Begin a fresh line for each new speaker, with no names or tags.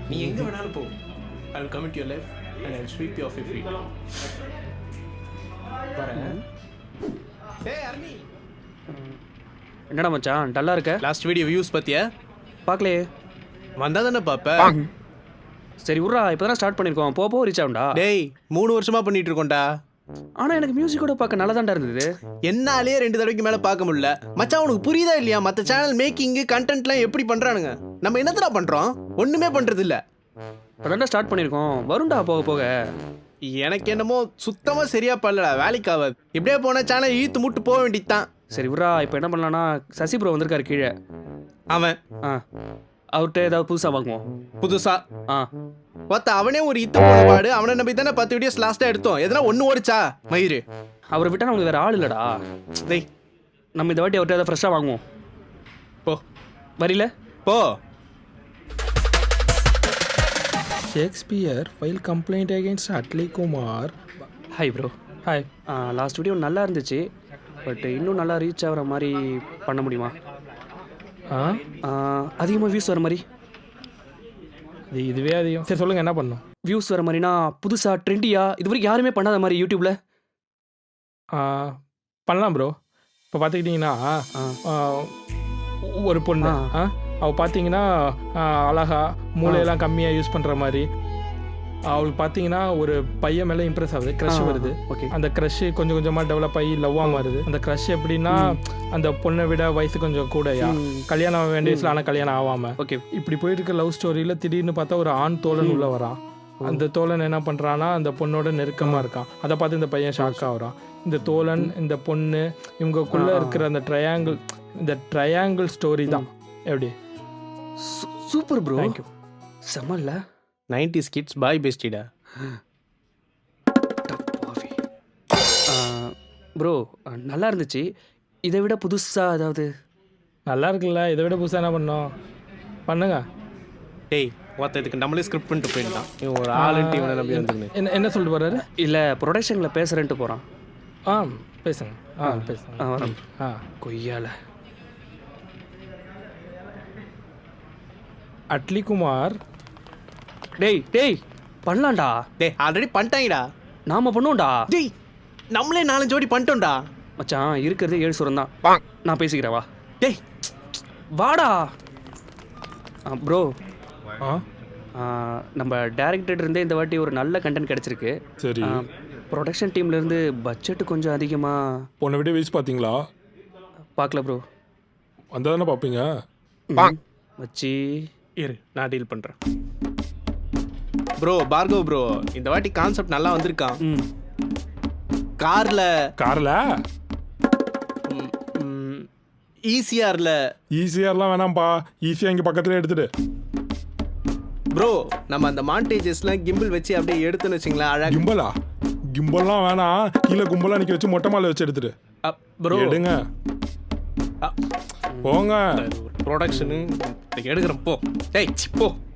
நீ எங்கே வேணாலும் போ. I will commit your life and I will sweep you off your feet. வரேன். ஏய் அர்னி,
என்னடா மச்சான் டல்லா இருக்க?
லாஸ்ட் வீடியோ வியூஸ் பத்தியா?
பார்க்கலையே.
வந்தா தானே பார்ப்பேன்.
சரி விட்றா, இப்போ தானே ஸ்டார்ட் பண்ணியிருக்கோம். போக ரீச் ஆகும்டா.
டேய் 3 வருஷமா பண்ணிட்டு இருக்கோம்டா.
ஆனால் எனக்கு மியூசிக்கோட பார்க்க நல்லா தான்டா இருந்தது.
என்னாலே 2 தடவைக்கு மேலே பார்க்க முடியல. மச்சான் உனக்கு புரியுதா இல்லையா? மற்ற சேனல் மேக்கிங்கு கண்டென்ட்லாம் எப்படி பண்ணுறானுங்க, நம்ம என்னத்தடா பண்ணுறோம்? ஒன்றுமே பண்ணுறது இல்லை.
அதான்டா ஸ்டார்ட் பண்ணியிருக்கோம். வரும்டா போக போக.
எனக்கு என்னமோ சுத்தமாக சரியா பண்ணலடா, வேலைக்கு ஆகாது. இப்படியே போனால் சேனல் இழுத்து முட்டு போக வேண்டியது தான்.
சரி விட்றா, இப்போ என்ன பண்ணலான்னா சசி ப்ரோ வந்திருக்காரு கீழே.
அவன்
அவர்கிட்ட ஏதாவது புதுசாக வாங்குவோம்.
புதுசா
ஆ
பார்த்த அவனே ஒரு இத்து போன பாடு. அவனை நம்பி தானே 10 வீடியோஸ் லாஸ்ட்டாக எடுத்தோம். எதனா ஒன்று ஓடிச்சா மயிறு?
அவரை விட்டால் நமக்கு வேறு ஆள் இல்லைடா.
டேய்
நம்ம இந்த வாட்டி அவர்கிட்ட ஏதாவது ஃப்ரெஷ்ஷாக வாங்குவோம்.
போ
வரல
போ.
Shakespeare filed complaint against Atli Kumar.
Hi bro.
Hi.
Last video நல்லா இருந்துச்சு. பட் இன்னும் நல்லா ரீச் ஆகிற மாதிரி பண்ண முடியுமா? அதிகமாக வியூஸ் வர மாதிரி.
இதுவே அதிகம். சரி சொல்லுங்கள், என்ன பண்ணணும்?
வியூஸ் வர மாதிரினா புதுசாக ட்ரெண்டியாக இது வரைக்கும் யாருமே பண்ணாத மாதிரி யூடியூப்பில்
பண்ணலாம் ப்ரோ. இப்போ பார்த்துக்கிட்டிங்கன்னா ஒரு பொண்ணு அவள் பார்த்தீங்கன்னா அழகா மூளையெல்லாம் கம்மியாக யூஸ் பண்ணுற மாதிரி. அவளுக்கு பார்த்தீங்கன்னா ஒரு பையன் மேலே இம்ப்ரெஸ் ஆகுது, க்ரஷ் வருது.
ஓகே.
அந்த க்ரஷ் கொஞ்சம் கொஞ்சமாக டெவலப் ஆகி லவ்வாக மாறுது. அந்த க்ரஷ் எப்படின்னா அந்த பொண்ணை விட வயசு கொஞ்சம் கூடயா, கல்யாணம் ஆக வேண்டிய வயசில் ஆனால் கல்யாணம் ஆகாமல்.
ஓகே.
இப்படி போயிருக்க லவ் ஸ்டோரியில் திடீர்னு பார்த்தா ஒரு ஆண் தோழன் உள்ளே வரான். அந்த தோழன் என்ன பண்ணுறான்னா அந்த பொண்ணோட நெருக்கமாக இருக்கான். அதை பார்த்து இந்த பையன் ஷாக் ஆகுறான். இந்த தோழன் இந்த பொண்ணு இவங்கக்குள்ளே இருக்கிற அந்த ட்ரையாங்கிள் ஸ்டோரி தான். எப்படி?
Super bro.
தேங்க்யூ.
செம்மல்ல.
90s கிட்ஸ் பாய் பெஸ்டிடா.
ப்ரோ நல்லா இருந்துச்சு. இதை விட புதுசாக ஏதாவது?
நல்லா இருக்குல்ல, இதை விட புதுசாக என்ன பண்ணோம்? பண்ணுங்க.
டேய் ஒருத்த இதுக்கு நம்மளே ஸ்கிரிப்ட் பண்ணிட்டு போயிருந்தான். இவன் ஒரு ஆளுன்ட்டு இவனை நம்பி வந்துருங்க.
என்ன சொல்லிட்டு போகிறாரு?
இல்லை ப்ரொடக்ஷனில் பேசுகிறேன்ட்டு போகிறான்.
பேசுங்க. பேசுங்க.
வரேன். கொய்யால.
அட்லி குமார்.
டேய் பண்ணலாம்டா.
டேய் ஆல்ரெடி பண்ணிட்டாங்கடா.
நாம பண்ணுவோம்டா.
டேய் நம்மளே 4 ஜோடி பண்ணிட்டோம்டா.
மச்சான் இருக்கிறது 7 சுரம் தான். நான் பேசிக்கிறேன் வா.
டேய்
வாடா ப்ரோ. நம்ம டேரக்டர் இருந்தே இந்த வாட்டி ஒரு நல்ல கண்டென்ட் கிடச்சிருக்கு.
சரி.
ப்ரொடக்ஷன் டீம்லேருந்து பட்ஜெட்டு கொஞ்சம் அதிகமாக.
போன வீடியோ வீஸ் பார்த்தீங்களா?
பார்க்கல ப்ரோ.
வந்தால் தானே பார்ப்பீங்க.
மச்சி
இரு நான் டீல் பண்ணுறேன். ப்ரோ பார்கவ் ப்ரோ, இந்த வாட்டி கான்செப்ட் நல்லா வந்திருக்கான். காரில்
ஈஸியார்லாம் வேணாம்ப்பா. ஈஸியாக இங்கே பக்கத்துலேயே எடுத்துட்டு
ப்ரோ நம்ம அந்த மாண்டேஜஸ்லாம் கிம்பிள் வச்சு அப்படியே எடுத்துன்னு வச்சிங்களேன். அழகா
கிம்பல்லாம் வேணாம். கீழே கும்பலாக நிற்க வச்சு மொட்டை மாலை வச்சு எடுத்துட்டு
ப்ரோ
எடுங்க. போங்க.
ப்ரொடக்ஷனு எடுக்கிறேன். போ டேய் போ.